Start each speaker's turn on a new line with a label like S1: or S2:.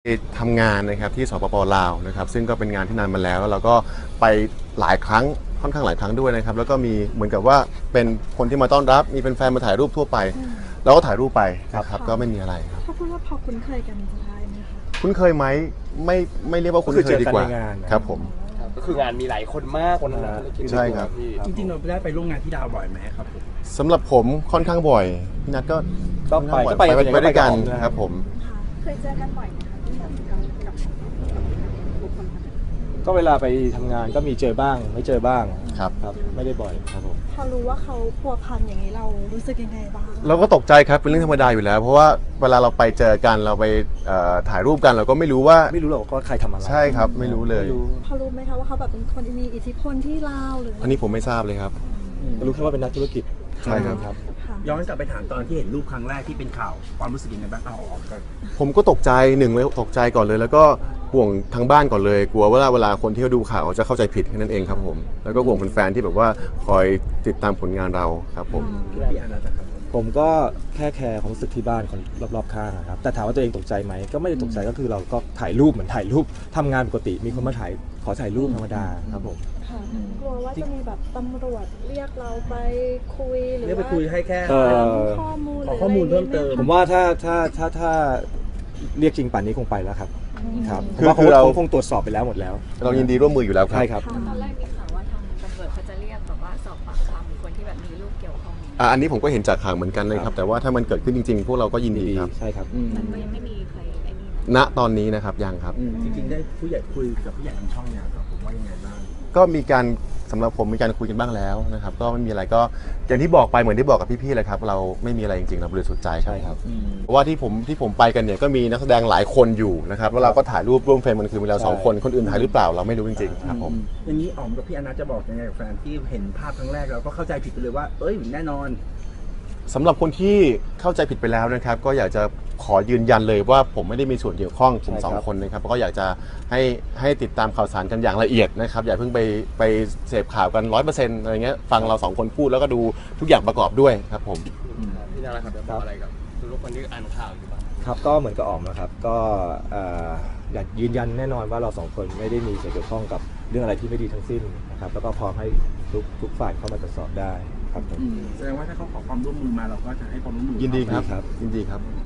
S1: ทำงานนะครับที่สปป.ลาวนะครับซึ่งก็เป็นงานที่นานมาแล้วแล้วเราก็ไปหลายครั้งค่อนข้างหลายครั้งด้วยนะครับแล้วก็มีเหมือนกับว่าเป็นคนที่มาต้อนรับมีเป็นแฟนมาถ่ายรูปทั่วไปเราก็ถ่ายรูปไปนะครับก็ไม่มีอะไรครับ
S2: เขาพูดว่าพอคุ้นเคยกันจะได้ไหมคะ
S1: คุ้นเคยไหมไม่เรียกว่าคุ้นเคยดีกว่า
S3: ก็คือเจอกันในงานนะครับ
S1: ผม
S4: ก็คืองานมีหลายคนมากวันนั้น
S1: ใช่ครับ
S5: จริงๆเราได้ไปร่วมงานที่ดาวบ่อยไหมครับผม
S1: สำหรับผมค่อนข้างบ่อยพี่นัทก็
S3: ก็ไป
S1: ค่อน
S3: ก็ไป
S1: ข้างบ่อยไปด้วยกัน
S3: นะครับ
S1: ครับผม
S2: เคยเจอกันบ่อยไหมคะที่แบบกับบุคคลคนนั้น
S3: ก็เวลาไปทำงานก็มีเจอบ้างไม่เจอบ้าง
S1: ครับ
S3: ครับไม่ได้บ่อยครับผม
S2: พอรู้ว่าเขาพัวพันอย่างนี้เรารู้สึกยังไงบ้าง
S1: เราก็ตกใจครับเป็นเรื่องธรรมดาอยู่แล้ว เพราะว่าเวลาเราไปเจอกันเราไปถ่ายรูปกันเราก็ไม่รู้ว่า
S3: ไม่รู้หรอกว่าใครทำอะไร
S1: ใช่ครับไม่รู้เลย
S2: พอรู้ไหมคะว่าเขาแบบเป็นคนที่มีอิทธิพลที่ลาวหรือ
S1: อันนี้ผมไม่ทราบเลยครับ
S3: รู้แค่ว่าเป็นนักธุรกิจ
S1: ใช่ครับ
S3: ครับ
S2: ค่ะ
S5: ย้อนกลับไปถามตอนที่เห็นรูปครั้งแรกที่เป็นข่าวความรู้สึกยังไงบ้างเอาออกกัน
S1: ผมก็ตกใจหนึ่งเลยตกใจก่อนเลย แล้วก็ห่วงทางบ้านก่อนเลย กลัวว่าเวลาคนที่เขาดูข่าวจะเข้าใจผิดแค่นั้นเองครับผมแล้วก็ห่วงแฟนๆที่แบบว่าคอยติดตามผลงานเราครับผม
S5: พี่อานัทนะครับ
S3: ผมก็แค่แคร์ความรู้สึกที่บ้านคนรอบๆข้างนะครับแต่ถามว่าตัวเองตกใจไหมก็ไม่ได้ตกใจก็คือเราก็ถ่ายรูปเหมือนถ่ายรูปทำงานปกติมีคนมาถ่ายขอถ่ายรูปธรรมดาครับผม
S2: ค่ะกลัวว่าจะมีแบบตำรวจเรียกเราไปคุยหรือ
S5: เรียกไป
S2: ว่า
S5: คุยให้แค่
S2: ข้อมูลห
S5: ข
S2: รือ อ
S5: ข้อมูลเพิ่มเติม
S3: ผมว่าถ้าเรียกจริงป่านนี้คงไปแล้วครับครับ
S1: คือ
S3: ว่า
S1: คือเรา
S3: คงตรวจสอบไปแล้วหมดแล้ว
S1: เรายินดีร่วมมืออยู่แล้วครับ
S3: ใช่ครับ
S6: ตอนแรกมีข่าวว่าทางตำรวจเขาจะเรียกแบบว่าสอบปากคำคนที่แบบมีลูกเกี่ยวข้อง
S1: อันนี้ผมก็เห็นจากข่าวเหมือนกันเลยครับแต่ว่าถ้ามันเกิดขึ้นจริงๆ พวกเราก็ยินดีครับ
S3: ใช่ครับ
S6: มันก็ยังไม่มีใครไอ้นี่นะ
S1: ณตอนนี้นะครับยังครับ
S5: จริงๆได้ผู้ใหญ่คุยกับผู้ใหญ่ทางช่องเนี่ยครับผมว่ายังไงบ้าง
S1: ก็มีการสำหรับผมมีการคุยกันบ้างแล้วนะครับก็ไม่มีอะไรก็อย่างที่บอกไปเหมือนที่บอกกับพี่ๆเลยครับเราไม่มีอะไรจริงๆเราบริสุทธิ์ใจ
S3: ใช่ครับ
S1: เพราะว่าที่ผมไปกันเนี่ยก็มีนักแสดงหลายคนอยู่นะครับแล้วเราก็ถ่ายรูปร่วมเฟรมกันคือมีเรา
S3: ใช่
S1: สองคนคนอื่นถ่ายหรือเปล่าเราไม่รู้จริงๆครับผม
S5: อย่างนี้อ๋อมกับพี่อานัทจะบอกยังไงกับแฟนที่เห็นภาพครั้งแรกแล้วก็เข้าใจผิดไปเลยว่าเอ้ยแน่นอน
S1: สำหรับคนที่เข้าใจผิดไปแล้วนะครับก็อยากจะขอยืนยันเลยว่าผมไม่ได้มีส่วนเกี่ยวข้องผมสองคนนะครับก็อยากจะให้ติดตามข่าวสารกันอย่างละเอียดนะครับอย่าเพิ่งไปเสพข่าวกัน 100%อะไรเงี้ยฟังเราสองคนพูดแล้วก็ดูทุกอย่างประกอบด้วยครับผม
S4: พี่นาครับจะบอกอะไรกับทุกคนที่อ่านข่าวอยู่บ้าง
S3: ครับก็เหมือนกับออมนะครับก็อยากยืนยันแน่นอนว่าเราสองคนไม่ได้มีส่วนเกี่ยวข้องกับเรื่องอะไรที่ไม่ดีทั้งสิ้นนะครับแล้วก็พร้อมให้ทุกฝ่ายเข้ามาตรวจสอบได้ครับผม
S5: แสดงว่าถ้าเขาขอความร่วมมือมาเราก็จะให้ความร่วมมือ
S1: ยินดีครับ
S3: ครับ
S1: ยินดีครับ